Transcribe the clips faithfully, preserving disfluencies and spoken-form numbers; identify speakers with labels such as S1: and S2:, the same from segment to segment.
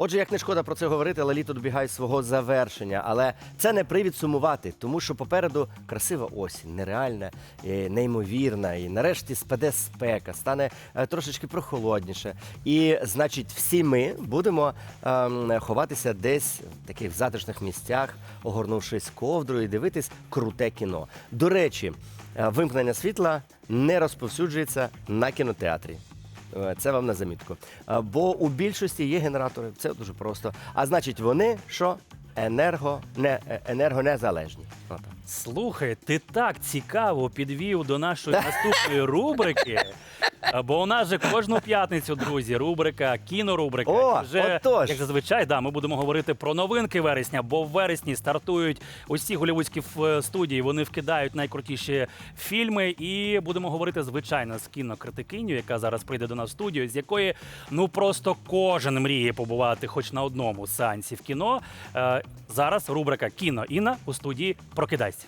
S1: Отже, як не шкода про це говорити, але літо добігає свого завершення. Але це не привід сумувати, тому що попереду красива осінь, нереальна, е, неймовірна. І нарешті спаде спека, стане е, трошечки прохолодніше. І, значить, всі ми будемо е, ховатися десь в таких затишних місцях, огорнувшись ковдрою і дивитись круте кіно. До речі, е, вимкнення світла не розповсюджується на кінотеатрі. Це вам на замітку. Бо у більшості є генератори, це дуже просто. А значить, вони що? Енерго, не, енергонезалежні. Отак.
S2: Слухай, ти так цікаво підвів до нашої наступної рубрики. Бо у нас же кожну п'ятницю, друзі, рубрика, кінорубрика.
S1: О,
S2: вже,
S1: отож.
S2: як зазвичай, да, ми будемо говорити про новинки вересня, бо в вересні стартують усі голівудські ф- студії, вони вкидають найкрутіші фільми. І будемо говорити, звичайно, з кінокритикиню, яка зараз прийде до нас в студію, з якої, ну, просто кожен мріє побувати хоч на одному сеансі в кіно. Е, зараз рубрика «Кіно Інна» у студії «Прокидайся».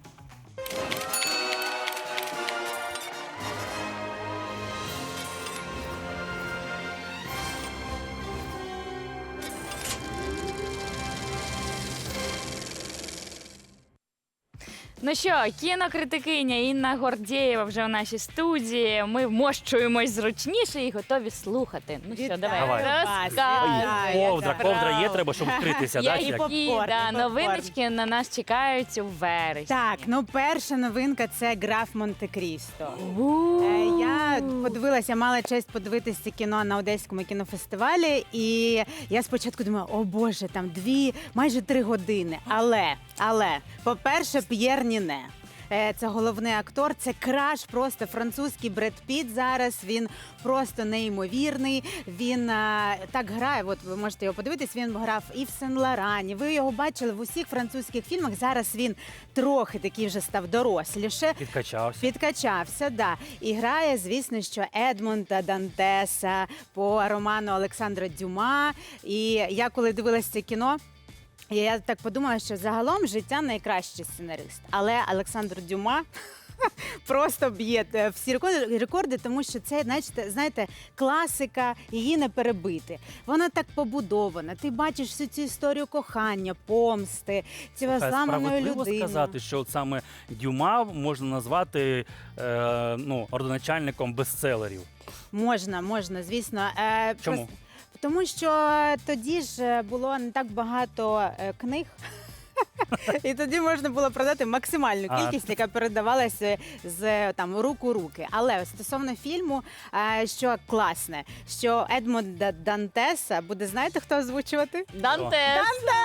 S3: Ну що, кінокритикиня Інна Гордєєва вже в нашій студії. Ми вмощуємось зручніше і готові слухати. Ну що,
S4: Вітаю
S3: давай,
S2: Давай.
S4: вас,
S3: розказуй.
S4: вітаю.
S2: Ковдра,
S4: Яка
S2: ковдра є,
S4: правда.
S2: треба, щоб вкритися. да,
S3: Я
S2: чи як?
S3: і
S4: попкорн,
S3: да,
S4: і попкорн.
S3: новиночки на нас чекають у вересні.
S4: Так, ну перша новинка – це «Граф Монте-Крісто».
S3: У.
S4: Е, Я подивилася, мала честь подивитися кіно на Одеському кінофестивалі, і я спочатку думала, о Боже, там дві, майже три години. Але, але, по-перше, П'єр Ніне. Е, Це головний актор, це краш, просто французький Бред Піт зараз, він просто неймовірний, він а, так грає, от ви можете його подивитись, він грав і в Сен-Лорані, ви його бачили в усіх французьких фільмах, зараз він трохи такий вже став доросліше.
S2: Підкачався.
S4: Підкачався, да. І грає, звісно, що Едмонда Дантеса по роману Олександра Дюма. І я коли дивилася це кіно, я так подумала, що загалом життя найкращий сценарист. Але Олександр Дюма просто б'є е, всі рекорди, рекорди, тому що це, знаєте, знаєте, класика, її не перебити. Вона так побудована. Ти бачиш всю цю історію кохання, помсти, цієї
S2: Слухай,
S4: зламаної
S2: справедливо
S4: людини.
S2: сказати, що от саме Дюма можна назвати е, ну, родоначальником бестселерів.
S4: Можна, можна, звісно. Е,
S2: Чому?
S4: просто- Тому що тоді ж було не так багато е, книг. І тоді можна було продати максимальну
S2: А.
S4: кількість, яка передавалася з там рук у руки. Але стосовно фільму, е, що класне, що Едмонда Дантеса буде, знаєте, хто озвучувати?
S3: Дантес.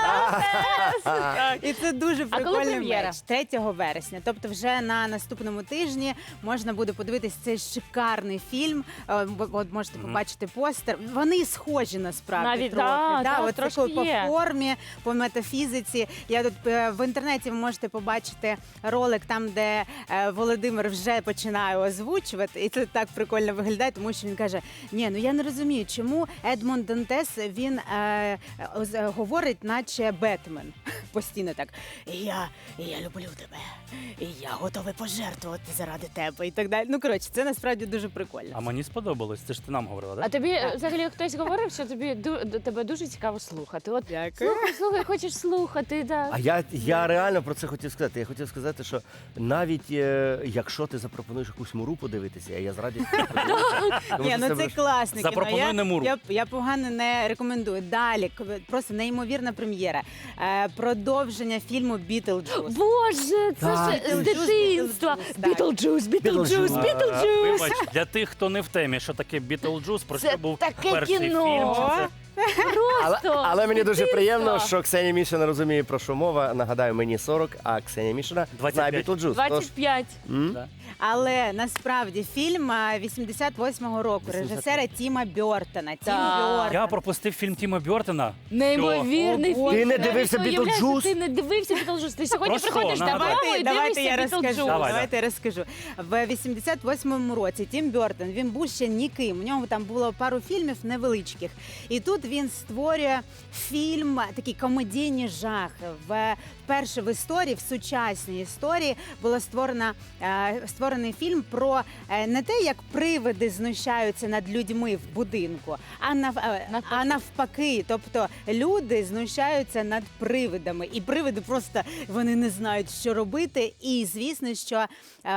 S4: І це дуже
S3: А коли
S4: прикольний
S3: прем'єра?
S4: меч. третього вересня. Тобто вже на наступному тижні можна буде подивитись цей шикарний фільм. Е, ви- От можете
S2: Мгм.
S4: побачити постер. Вони схожі насправді
S3: Навіть,
S4: трохи.
S3: да, да,
S4: от
S3: трошки
S4: такою по
S3: є.
S4: формі, по метафізиці. Я тут е, в інтернеті ви можете побачити ролик там, де е, Володимир вже починає озвучувати, і це так прикольно виглядає, тому що він каже: ні, ну я не розумію, чому Едмонд Дантес він е, оз- говорить, наче Бетмен. Постійно так. І я, і я люблю тебе, і я готовий пожертвувати заради тебе, і так далі. Ну коротше, це насправді дуже прикольно.
S2: А мені сподобалось, це ж ти нам говорила, так?
S3: А тобі е, взагалі хтось говорив, що тобі ду- д- тебе дуже цікаво слухати. От
S4: Дякую.
S3: слухай, слухай, хочеш слухати, да.
S1: А я, я реально про це хотів сказати. Я хотів сказати, що навіть е, якщо ти запропонуєш якусь муру подивитися, я з радістю подивлюся. Тому
S4: Ні,
S1: що
S4: ну це
S1: буде-
S4: класне кіно.
S2: Запропонуй
S4: Я,
S2: не муру.
S4: я, я погано не рекомендую. Далі, к- просто неймовірна прем'єра. Е, продовження фільму «Бітлджус».
S3: Боже, це
S1: Так,
S3: ж з
S4: Бітлджус,
S3: дитинства.
S4: Бітлджус, так.
S3: Бітлджус, Бітлджус,
S1: Бітлджус.
S2: А,
S3: Бітлджус.
S2: Вибач, для тих, хто не в темі, що таке Бітлджус, про
S3: Це
S2: що був
S3: таке
S2: перший
S3: кіно.
S2: фільм. що це-
S1: Але,
S3: Просто
S1: але мені дуже
S3: дитинство.
S1: приємно, що Ксенія Мішина розуміє, про що мова. Нагадаю, мені сорок, а Ксенія Мішина
S2: двадцять
S1: знає
S2: п'ять.
S1: Бітлджус. Тож,
S3: двадцять п'ять.
S1: м?
S2: Да.
S4: Але насправді фільм е, вісімдесят восьмого року режисера Тіма Бьортона. Тім
S3: Так.
S4: Бьортон.
S2: Я пропустив фільм Тіма Бьортона.
S3: Неймовірний
S4: О,
S3: фільм.
S1: Ти не
S3: Навіть
S1: дивився
S3: уявляєш,
S1: «Бітлджус»?
S3: Ти не дивився Бітлджус. Ти сьогодні
S2: Про що?
S3: приходиш
S2: Нагадай.
S3: додому
S4: Давайте,
S3: і
S4: давайте я
S3: дивишся
S4: розкажу.
S3: Бітлджус.
S2: Давай,
S4: давайте я розкажу. В вісімдесят восьмому році Тім Бьортон, він був ще ніким. У нього там було пару фільмів невеличких. І тут він створює фільм, такий комедійний жах. В вперше в історії, в сучасній історії, було створено е, створений фільм про е, не те, як привиди знущаються над людьми в будинку, а нав, е,
S3: Навпаки.
S4: а навпаки. Тобто люди знущаються над привидами, і привиди просто вони не знають, що робити. І звісно, що е,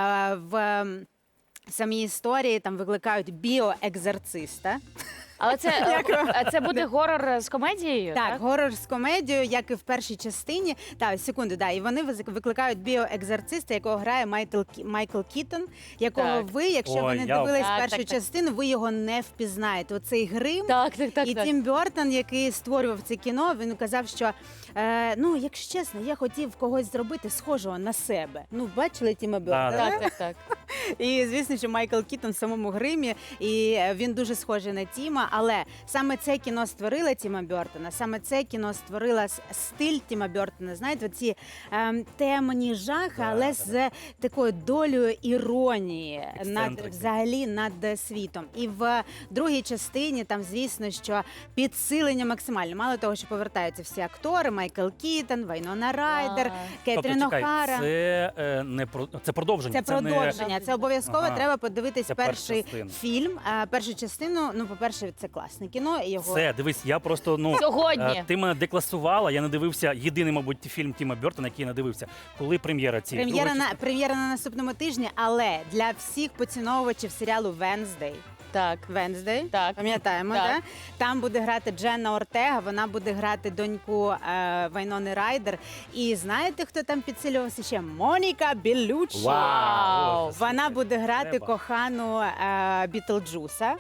S4: в ем, самій історії там викликають біоекзорциста.
S3: Але це, а це буде горор з комедією?
S4: Так, горор з комедією, як і в першій частині. Так, секунду, да, і вони виз- викликають біоекзорциста, якого грає Майкл, Кі- Майкл Кітон, якого
S3: Так.
S4: ви, якщо
S2: Ой,
S4: ви не
S2: я-
S4: дивились
S3: Так,
S4: першу
S3: так, так.
S4: частину, ви його не впізнаєте. Оцей грим.
S3: Так, так, так.
S4: І
S3: так.
S4: Тім Бёртон, який створював це кіно, він казав, що е, ну, якщо чесно, я хотів когось зробити схожого на себе. Ну, бачили Тіма Бёртона?
S2: Да,
S3: Так, так, так.
S4: І звісно, що Майкл Кітон в самому гримі, і е, він дуже схожий на Тіма. Але саме це кіно створило Тіма Бёртона, саме це кіно створило с- стиль Тіма Бёртона. Знаєте, ці ем, темні жахи,
S2: Да,
S4: але
S2: да.
S4: з такою долею іронії над
S2: Ексцентрики.
S4: взагалі над е, світом. І в другій частині там, звісно, що підсилення максимальне. Мало того, що повертаються всі актори: Майкл Кітон, Вайнона Райдер,
S3: Клас.
S4: Кетрін
S2: Тобто, чекай,
S4: Охара.
S2: це е, не про це продовження.
S4: Це
S2: не-
S4: продовження. Це обов'язково
S2: Ага.
S4: треба подивитись
S2: Це перша
S4: перший
S2: частина.
S4: фільм. А, першу частину, ну, по-перше, це класне кіно. І його
S2: Все, дивись, я просто ну
S3: Сьогодні.
S2: е, ти мене декласувала. Я не дивився єдиний, мабуть, фільм Тіма Бёртона, який я не дивився. Коли прем'єра цієї
S4: прем'єра
S2: другої
S4: на прем'єра на наступному тижні, але для всіх поціновувачів серіалу Венздей.
S3: Так.
S4: Венздей,
S3: Так.
S4: пам'ятаємо,
S3: Так.
S4: да? Там буде грати Дженна Ортега, вона буде грати доньку е, Вайнони Райдер. І знаєте, хто там підсилювався ще? Моніка Беллуччі.
S3: Вау!
S4: Вона буде грати
S2: Треба.
S4: кохану е, Бітлджуса.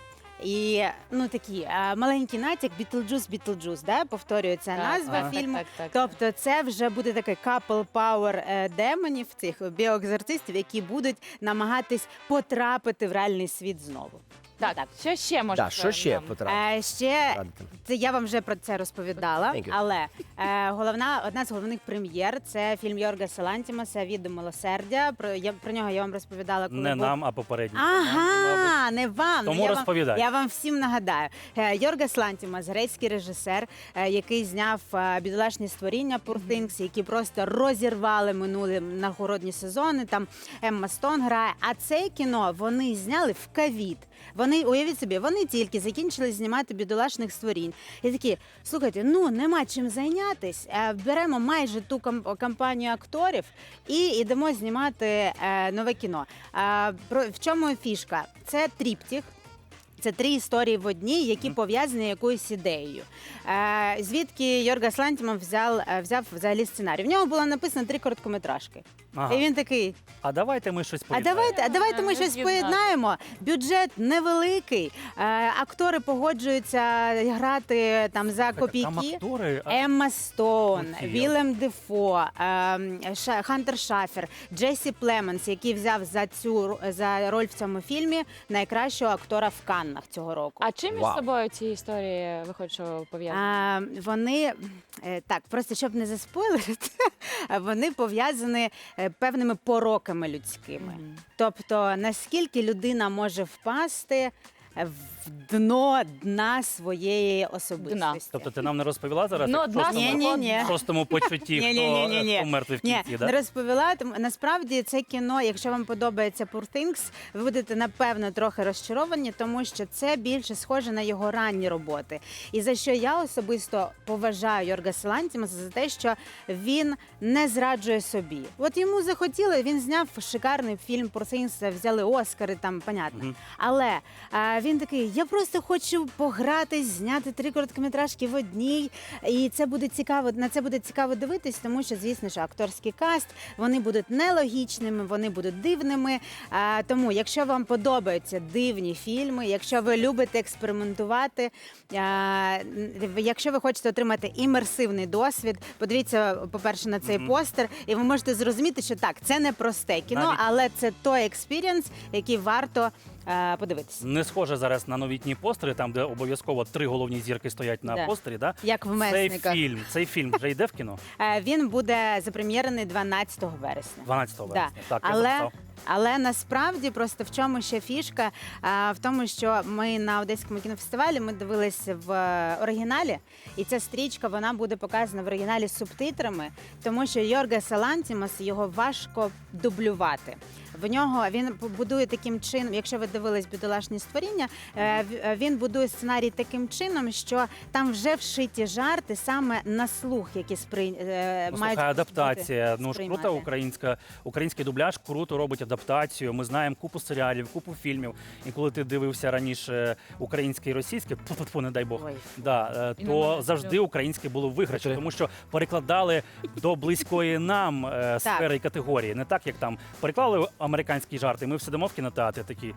S4: І ну такі е, маленький натяк Бітлджус, Бітлджус, да? Повторюється
S3: Так,
S4: назва
S3: так,
S4: фільму.
S3: так, так, так.
S4: Тобто це вже буде такий couple power е, демонів, цих біоекзорцистів, які будуть намагатись потрапити в реальний світ знову.
S3: Так, що ще можна?
S1: Да, що ще потрапити?
S4: Е, ще це я вам вже про це розповідала,
S1: Thank you.
S4: але е, головна одна з головних прем'єр це фільм Йоргаса Лантімаса «Відео милосердя». Про я про нього я вам розповідала, коли
S2: Не
S4: був...
S2: нам, а попередній. мабуть.
S4: Ага, не вам.
S2: Тому
S4: я
S2: розповідай.
S4: Вам, я вам всім нагадаю. Е, Йоргас Лантімас, грецький режисер, е, який зняв е, «Бідолашні створіння» Poor Things, які просто розірвали минулі нагородні сезони. Там Емма Стоун грає. А це кіно вони зняли в ковід. Вони, уявіть собі, вони тільки закінчили знімати «Бідолашних створінь». І такі, слухайте, ну нема чим зайнятись. Е, Беремо майже ту кам- компанію акторів і йдемо знімати е, нове кіно. Е, про, в чому фішка? Це тріптіх. Це три історії в одній, які пов'язані якоюсь ідеєю. Е, звідки Йоргас Лантіман взяв, е, взяв взагалі сценарій? В нього було написано три короткометражки.
S2: Ага.
S4: І він такий:
S2: А давайте ми щось
S4: а
S2: поєднаємо.
S4: давайте, а давайте ми
S3: Не
S4: щось
S3: з'єднати.
S4: поєднаємо. Бюджет невеликий, е, актори погоджуються грати там за
S2: Там
S4: копійки.
S2: актори. а-
S4: Емма Стоун,
S2: Офігел.
S4: Вілем Дефо, ем, Ша- Хантер Шафер, Джесі Племенс, який взяв за цю ро- за роль в цьому фільмі найкращого актора в Каннах цього року.
S3: А чим між
S1: Вау.
S3: собою ці історії виходить, що пов'язані?
S4: А, вони е, так, просто щоб не заспойлерити, вони пов'язані е, певними пороками людськими.
S3: Мгм.
S4: Тобто, наскільки людина може впасти в дно дна своєї особистості.
S2: Тобто ти нам не розповіла зараз?
S3: Ну,
S2: як в
S3: одна
S2: шостому-
S4: Ні-ні-ні.
S2: в шостому почутті, хто,
S4: Ні-ні-ні-ні.
S2: хто мертвий в
S4: Ні,
S2: кінці, да?
S4: не розповіла. Тому насправді це кіно, якщо вам подобається Poor Things, ви будете напевно трохи розчаровані, тому що це більше схоже на його ранні роботи. І за що я особисто поважаю Йоргаса Лантімаса за те, що він не зраджує собі. От йому захотіли, він зняв шикарний фільм Poor Things, взяли Оскари, там понятно.
S2: Мгм.
S4: Але а, він такий: я просто хочу погратись, зняти три короткометражки в одній, і це буде цікаво. На це буде цікаво дивитись, тому що, звісно, що акторський каст вони будуть нелогічними, вони будуть дивними. А, тому, якщо вам подобаються дивні фільми, якщо ви любите експериментувати, а, якщо ви хочете отримати імерсивний досвід, подивіться, по-перше, на цей
S2: Мгм.
S4: постер, і ви можете зрозуміти, що так, це не просте кіно,
S2: Навіть-
S4: але це той експірієнс, який варто е, подивитися.
S2: Не схоже зараз на новітні постери, там, де обов'язково три головні зірки стоять на
S4: Да.
S2: постері. Да?
S4: Як в
S2: Цей
S4: месниках.
S2: фільм, цей фільм вже йде в кіно
S4: Е, Він буде запрем'єрений дванадцятого вересня.
S2: дванадцятого
S4: Да.
S2: вересня. Так, я
S4: Але
S2: записав.
S4: Але насправді просто в чому ще фішка? А, в тому, що ми на Одеському кінофестивалі ми дивилися в е, оригіналі, і ця стрічка вона буде показана в оригіналі з субтитрами, тому що Йоргас Лантімос його важко дублювати. В нього він будує таким чином, якщо ви дивились «Бідолашні створіння», е, в- е, він будує сценарій таким чином, що там вже вшиті жарти саме на слух, які сприй... е,
S2: Ну,
S4: мають
S2: слухай, адаптація.
S4: бути
S2: Ну ж крута
S4: сприймати.
S2: українська, український дубляж круто робить адаптацію. Ми знаємо купу серіалів, купу фільмів. І коли ти дивився раніше українське і російське, тьфу-тьфу, не дай Бог,
S4: Ой.
S2: да, е,
S3: І
S2: то
S3: не
S2: завжди українське було виграші,
S1: Чотири.
S2: тому що перекладали до близької нам е, сфери і категорії. Не так, як там переклали американські жарти. Ми сидимо в кінотеатрі такі.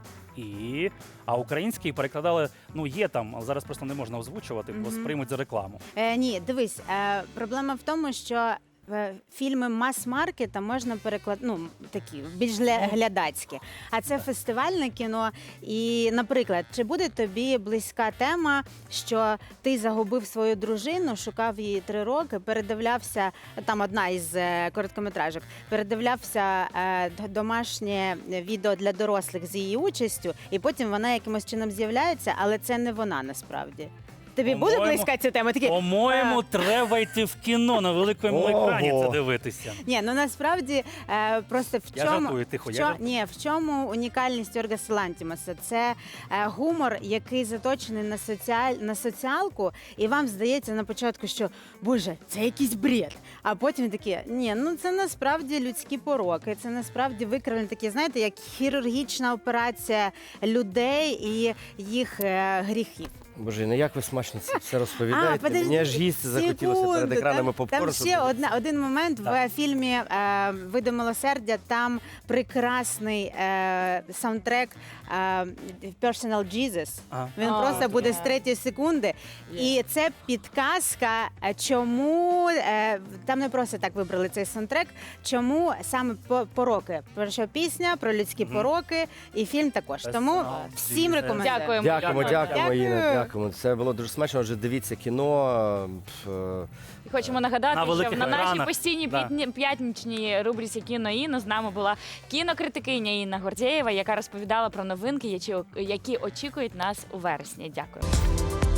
S2: І а український перекладали, ну є там, але зараз просто не можна озвучувати, бо
S4: Мгм.
S2: сприймуть за рекламу.
S4: Е, ні, дивись, е, проблема в тому, що е, фільми мас-маркета можна перекладати, ну, такі, більш гля- глядацькі. А це фестивальне кіно. І, наприклад, чи буде тобі близька тема, що ти загубив свою дружину, шукав її три роки, передивлявся, там одна із е, короткометражок, передивлявся е, д- домашнє відео для дорослих з її участю, і потім вона якимось чином з'являється, але це не вона насправді. Тобі буде
S2: По-моєму-
S4: близька ця тема? Такі,
S2: По-моєму,
S4: е,
S2: треба йти в кіно на великому
S1: Ого.
S2: екрані це дивитися.
S4: Ні, ну насправді е, просто в
S2: Я
S4: чому
S2: жартую, тихо,
S4: в
S2: я
S4: чо-
S2: жартую.
S4: ні, в чому унікальність Йоргаса Лантімоса? Це е, гумор, який заточений на соціаль на соціалку, і вам здається на початку, що боже, це якийсь бред. А потім такі, ні, ну це насправді людські пороки, це насправді викривлені такі, знаєте, як хірургічна операція людей і їх е, гріхів.
S1: Боже, ну як ви смачно це все розповідаєте?
S4: подожди,
S1: Мені аж їсти захотілося перед
S4: секунду,
S1: екранами
S4: там,
S1: попкорн.
S4: Там
S1: щоб
S4: ще
S1: дивитися.
S4: одна, один момент
S2: Так.
S4: в фільмі е, «Види милосердя», там прекрасний е, саундтрек е, «Personal Jesus».
S2: Ага.
S4: Він
S3: О,
S4: просто буде
S3: є.
S4: з третьої секунди. І це підказка, е, чому е, там не просто так вибрали цей саундтрек, чому саме по- пороки. Про що пісня, про людські
S2: Мгм.
S4: пороки, і фільм також. Тому
S2: Personal
S4: всім
S2: Jesus.
S4: рекомендую.
S3: Дякуємо.
S1: Дякуємо,
S2: Дякую.
S1: дякуємо, Інна,
S4: Дякую.
S1: дякуємо. Це було дуже смачно. Отже, дивіться кіно. пф, е,
S3: І хочемо нагадати,
S2: На
S3: що
S2: великих
S3: на нашій
S2: екранах.
S3: постійній
S2: Да.
S3: п'ятні- п'ятничній рубриці «Кіно Інно» з нами була кінокритикиня Інна Гордєєва, яка розповідала про новинки, які- які очікують нас у вересні. Дякую.